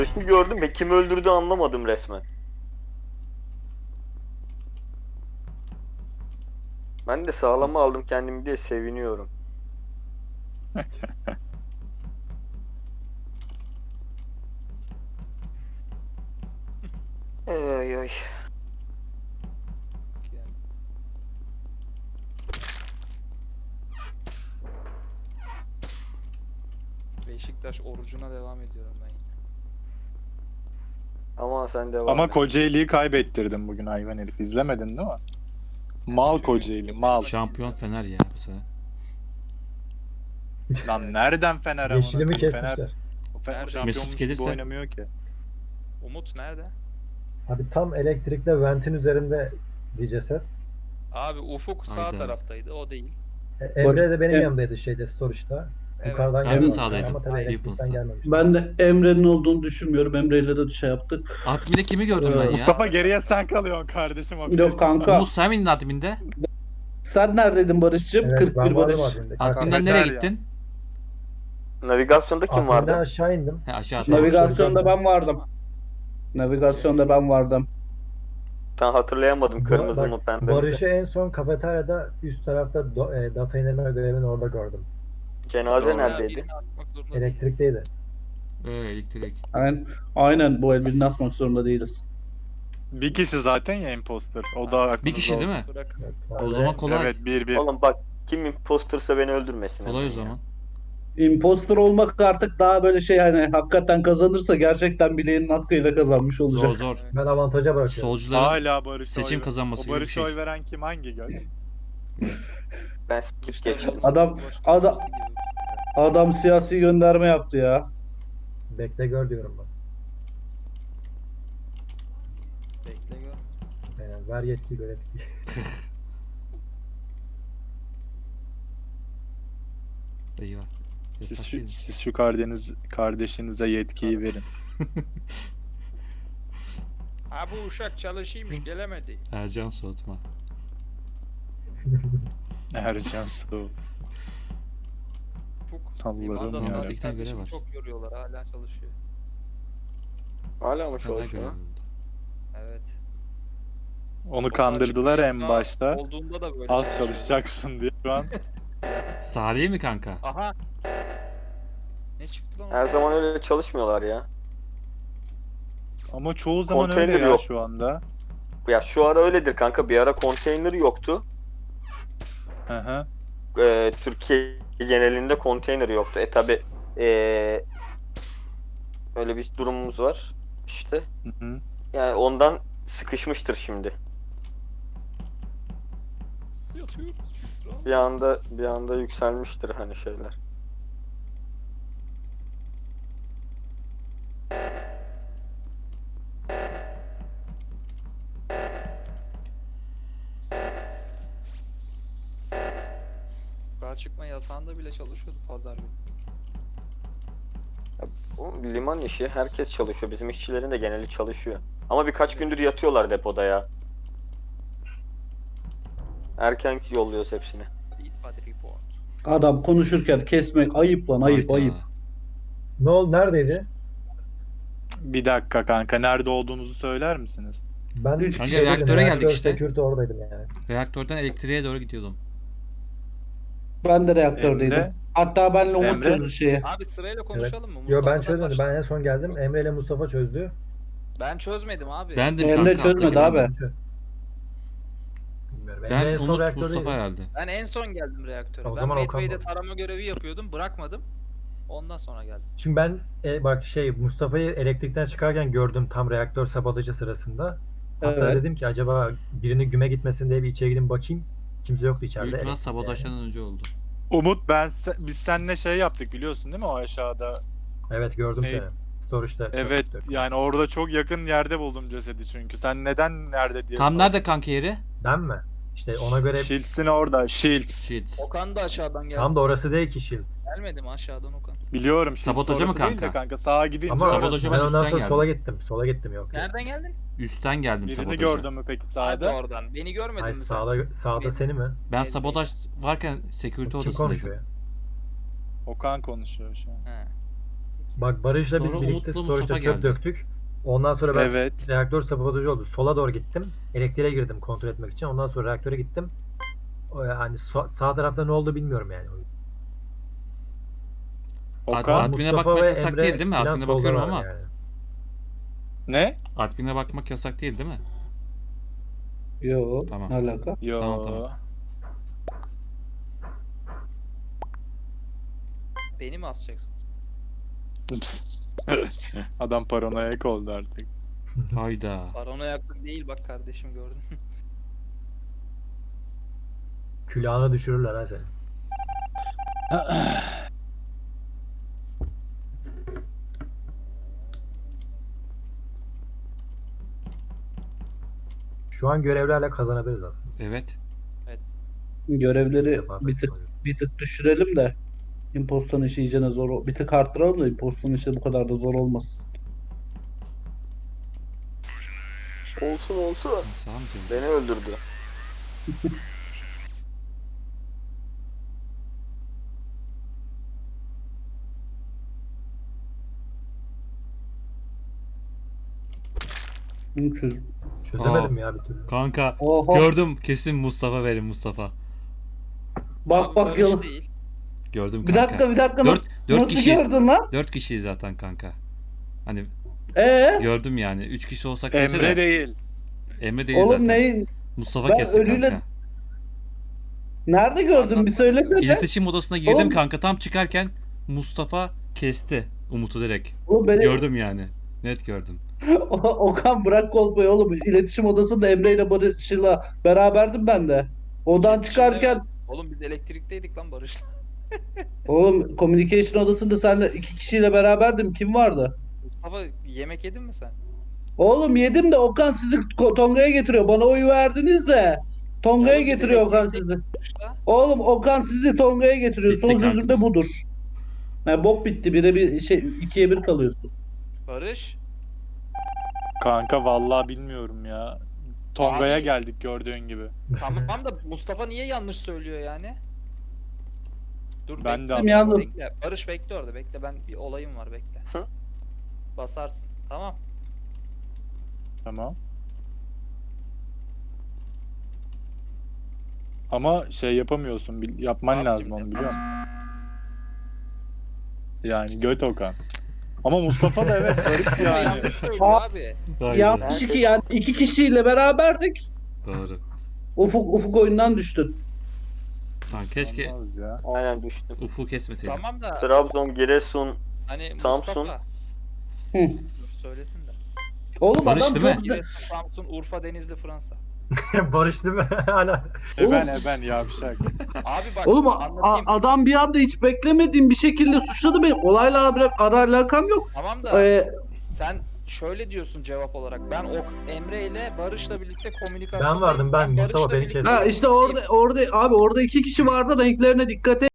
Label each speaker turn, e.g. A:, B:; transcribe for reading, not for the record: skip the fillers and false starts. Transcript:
A: Şimdi gördüm ve kim öldürdü anlamadım resmen. Ben de sağlama aldım kendimi diye seviniyorum. Ay ay.
B: Beşiktaş orucuna devam ediyorum ben yine.
A: Ama sen devam
C: Ama
A: et.
C: Kocaeli'yi kaybettirdim bugün hayvan herif. İzlemedin değil mi? Mal Kocaeli, mal.
D: Şampiyon Fener ya bu sene.
C: Lan nereden Fener amına
E: Yeşili mi
C: koyayım? Fener,
E: kesmişler?
C: Fener
B: Mesut
C: şampiyonmuş gibi
D: gelirse-
C: oynamıyor ki.
B: Umut nerede?
E: Abi tam elektrikle ventin üzerinde ceset.
B: Abi Ufuk sağ
D: Hayda.
B: taraftaydı, o değil.
E: Emre de benim yanımdaydı şeyde storage'da.
B: Evet.
E: Yukarıdan
D: Sen de
E: geldi.
D: sağdaydın,
E: Ama tabii elektrikten
D: Peoples'ta.
E: gelmemiş.
F: Ben de Emre'nin olduğunu düşünmüyorum. Emre'yle de şey yaptık.
D: Admin'de kimi gördüm ben ya?
C: Mustafa geriye sen kalıyorsun kardeşim.
F: Yok kanka.
D: Umut sen miydin admin'de?
F: Sen neredeydin Barış'cığım?
E: Evet,
F: 41
E: ben
F: Barış.
E: vardım adminde.
D: Admin'den nereye gittin?
A: Navigasyonda kim
E: Adminden
A: vardı?
E: aşağı indim.
D: He aşağı
E: Navi-
F: Navigasyonda ben vardım. Navigasyonda ben vardım.
A: Ben hatırlayamadım kırmızı
E: Bak,
A: mı pembe mi?
E: Barış'ı en son kafeteryada üst tarafta data indirme görevini orada gördüm.
A: Cenaze
B: Doğru.
A: neredeydi?
B: Birini asmak zorunda
E: Elektrikteydi.
D: elektrik.
F: Aynen bu el birini asmak zorunda değiliz.
C: Bir kişi zaten ya imposter. O da aklınızda
D: Bir kişi değil
C: olsun.
D: mi?
B: değiliz. Bırak.
E: Evet,
D: O zaman kolay.
C: Evet 1-1.
A: Oğlum bak kim impostersa beni öldürmesin.
D: Kolay o
A: hemen ya.
D: zaman.
F: Imposter olmak artık daha böyle şey hani hakikaten kazanırsa gerçekten bileğinin hakkıyla kazanmış olacak.
D: Zor zor.
E: Ben avantaja bırakıyorum.
D: Solcuların
C: Hala Barış'a
D: seçim
C: oy
D: kazanması
C: O
D: gibi bir
C: Barış'a
D: şey.
C: oy veren kim? Hangi göz?
A: Ben skip
B: İşte
A: geçtim.
F: Adam-
B: Cumhurbaşkanı
F: adam-
B: olması gibi.
F: Adam siyasi gönderme yaptı ya.
E: Bekle gör diyorum ben.
B: Bekle gör.
E: Aynen, ver yetkiyi görev.
D: Eyvah.
C: Siz
D: Yasak
C: şu,
D: değil mi?
C: siz şu kardeşinize yetkiyi verin.
B: Ha bu uşak çalışıymış, gelemedi.
D: Ercan soğutma.
C: Ercan Su.
B: Ufuk
C: Allah'ım
B: limanda
C: ya.
B: sana
D: Bir tane görev
B: kardeşim
D: var.
B: çok yoruyorlar, hala çalışıyor.
A: Hala mı
D: Fener
A: çalışıyor?
D: görevi.
B: Evet.
C: Onu
B: Sokağa
C: kandırdılar
B: çıkma
C: en
B: yasağı
C: başta.
B: Olduğunda da böyle
C: Az
B: çalışıyor.
C: çalışacaksın diye şu an.
D: Salih mi kanka?
B: Aha. Ne çıktı lan?
A: Her zaman öyle çalışmıyorlar ya.
C: Ama çoğu zaman öyle
A: Konteyner
C: ya
A: yok.
C: şu anda.
A: Ya şu ara öyledir kanka. Bir ara konteyner yoktu.
C: Hı hı.
A: Türkiye genelinde konteyner yoktu. Tabi öyle bir durumumuz var. İşte.
C: Hı hı.
A: Yani ondan sıkışmıştır şimdi.
B: Yatıyoruz biz.
A: Bir anda yükselmiştir hani şeyler.
B: Sokağa çıkma yasağında bile çalışıyordu pazar günü.
A: O liman işi herkes çalışıyor. Bizim işçilerin de geneli çalışıyor. Ama birkaç gündür yatıyorlar depoda ya. Erken yolluyoruz hepsini.
B: Lead body report.
F: Adam konuşurken kesmek ayıp lan ayıp
D: Hayda.
F: ayıp.
E: Ne oldu? Neredeydi?
C: Bir dakika kanka. Nerede olduğunuzu söyler misiniz?
E: Ben
F: Kanka,
E: şeydeydim,
D: reaktöre geldik
E: reaktör
D: işte.
E: security oradaydım yani.
D: Reaktörden elektriğe doğru gidiyordum.
F: Ben de reaktördeydim.
C: Emre?
F: Hatta benle Umut
C: Emre?
F: çözdü şeyi.
B: Abi sırayla konuşalım mı?
E: Yo ben
B: Mustafa'dan
E: çözmedim.
B: başla.
E: Ben en son geldim. Emre ile Mustafa çözdü.
B: Ben çözmedim abi.
D: Bendim
F: Emre
D: kanka.
F: çözmedi
D: alttaki
F: abi.
D: bendim.
E: Bilmiyorum. Emre
D: Ben
E: en son
D: Umut
E: reaktördeydi.
D: Mustafa herhalde.
B: Ben en son geldim reaktöre.
E: O
B: Ben
E: zaman Okan
B: Medbay'de
E: var.
B: tarama görevi yapıyordum. Bırakmadım. Ondan sonra geldim.
E: Çünkü ben bak Mustafa'yı elektrikten çıkarken gördüm tam reaktör sabotajı sırasında. Hatta
F: Evet.
E: dedim ki acaba birinin güme gitmesin diye bir içeri gidin bakayım. Kimse yoktu içeride.
D: Büyük ihtimal
E: Elektrikte
D: sabotajdan önce oldu.
C: Umut biz seninle şey yaptık biliyorsun değil mi o aşağıda?
E: yani. Evet gördüm
C: Ne-
E: seni. Storage'da.
C: Evet yani orada çok yakın yerde buldum cesedi çünkü. Sen neden nerede diye
D: Tam
C: sordun.
D: nerede kanka yeri?
E: Ben mi? İşte ona göre
C: Shields'in orada. Shields.
D: Shit.
B: Okan da aşağıdan geldi.
E: tam da orası değil ki Shield.
B: Gelmedi mi aşağıdan Okan?
C: Biliyorum Shields
D: Sabotaja mı
C: orası değil de
D: kanka?
C: kanka sağa gidince
E: Ama
C: orası.
D: Sabotaja
E: ben
D: ben
E: ondan
D: üstten
E: sonra
D: geldim.
E: sola gittim. Sola gittim yok.
B: Nereden geldin?
D: Üstten geldim
C: Birini
D: sabotaja.
C: gördün mü peki
B: Hadi
C: sağda?
B: oradan. Beni görmedin
E: Hayır
B: mi sen?
E: sağda
B: Benim-
E: seni mi?
D: Ben sabotaj varken security
E: Kim
D: odasındaydım.
E: konuşuyor ya?
C: Okan konuşuyor şu an.
B: He.
E: Bak Barış'la biz
D: Sonra
E: birlikte
D: Umut'la
E: storage'da
D: Mustafa
E: çöp
D: geldi.
E: döktük. Ondan sonra ben
C: Evet.
E: reaktör sabotajı oldu. Sola doğru gittim. Elektriğe girdim kontrol etmek için. Ondan sonra reaktöre gittim. Hani sağ tarafta ne oldu bilmiyorum yani.
C: Okan
D: Admin'e
E: Mustafa
D: bakmak
E: ve
D: yasak
E: Emre
D: değil mi?
E: filan
D: Admin'e bakıyorum
E: soldalar
D: ama.
E: yani.
C: ne?
D: Admin'e bakmak yasak değil mi?
F: Yo,
D: Tamam.
F: ne alaka?
C: Yo.
D: Tamam.
B: Beni mi asacaksınız?
C: Adam paranoyak oldu artık.
D: Hayda.
B: Paranoyaklık değil bak kardeşim gördün.
E: Külahına düşürürler ha seni. Şu an görevlerle kazanabiliriz aslında.
D: Evet.
F: Görevleri
E: Defa
F: bir tık düşürelim de impostan işi iyicene bir tık arttıralım da impostan işi bu kadar da zor olmasın.
A: Olsun olsun.
D: Sağ mı diyorsun?
A: Beni öldürdü.
E: Çözemedim ya bir türlü.
D: Kanka
F: Oha.
D: gördüm, kesin Mustafa verin Mustafa.
F: Bak
B: Abi
F: bak
B: Barış
F: yalan.
B: değil.
D: Gördüm
F: Bir
D: kanka.
F: dakika
D: Dört
F: nasıl
D: kişiyiz.
F: gördün lan?
D: 4 kişiyiz zaten kanka. Hani gördüm yani. 3 kişi olsak neyse
C: Emre
D: de.
C: değil.
D: Emre değil
F: Oğlum
D: zaten.
F: neyin?
D: Mustafa
F: Ben
D: kesti
F: ölüyle-
D: kanka.
F: Nerede gördün bir söylesene.
D: İletişim odasına girdim
F: Oğlum-
D: kanka. Tam çıkarken Mustafa kesti Umut'u direkt.
F: Oğlum beni
D: Gördüm yani. Net gördüm.
F: Okan bırak kolpayı oğlum. İletişim odasında Emre ile Barış'la beraberdim ben de. Odan
B: İletişimde-
F: çıkarken
B: Oğlum biz elektrikteydik lan Barış'la.
F: oğlum communication odasında senle 2 kişiyle beraberdim. Kim vardı?
B: Mustafa yemek yedin mi sen?
F: Oğlum yedim de Okan sizi Tonga'ya getiriyor. Bana oyu verdiniz de Tonga'ya
B: Oğlum biz
F: getiriyor Okan
B: elektrikteydik
F: sizi.
B: Barış'la.
F: Oğlum Okan sizi Tonga'ya getiriyor.
D: Bitti
F: Son
D: kanka.
F: sözüm de budur. Yani bok bitti. Bire bir şey 2'ye 1 kalıyorsun.
B: Barış.
C: Kanka vallahi bilmiyorum ya. Tonga'ya
B: Abi-
C: geldik gördüğün gibi.
B: Tamam da Mustafa niye yanlış söylüyor yani? Dur
C: Ben de
B: bekle,
F: yandım.
B: bekle. Barış bekle orada bekle, ben bir olayım var bekle.
A: Hı?
B: Basarsın tamam.
C: Tamam. Ama şey yapamıyorsun. Yapman
B: Bas
C: lazım
B: gibi,
C: onu
B: bas.
C: biliyor musun? Yani göt Okan. Ama Mustafa da evet garip yani.
B: Yanlış söylüyor abi.
F: Yanlış iki yani 2 kişiyle beraberdik.
D: Doğru.
F: Ufuk oyundan düştün.
D: Lan keşke
C: Olmaz ya.
A: Aynen düştüm.
D: Ufuk kesmeseydim.
B: Tamam da
A: Trabzon, Giresun.
B: hani
A: Samsun.
B: Mustafa.
F: Hı.
B: Dur, söylesin de.
F: Oğlum
D: Barış
F: adam
D: değil mi?
F: çok
B: Giresun, Samsun, Urfa, Denizli, Fransa.
E: Barış değil mi? Hala.
C: Ben yavşak.
B: Abi bak
F: Oğlum
B: anlatayım.
F: adam bir anda hiç beklemediğim bir şekilde suçladı beni. Olayla ara alakam yok.
B: Tamam da
F: Ee,
B: sen şöyle diyorsun cevap olarak. Ben Emre ile Barış'la birlikte komünikasyon.
E: Ben vardım, ben. Mustafa beni kesti.
F: ha işte orada abi orada 2 kişi vardı renklerine dikkat et.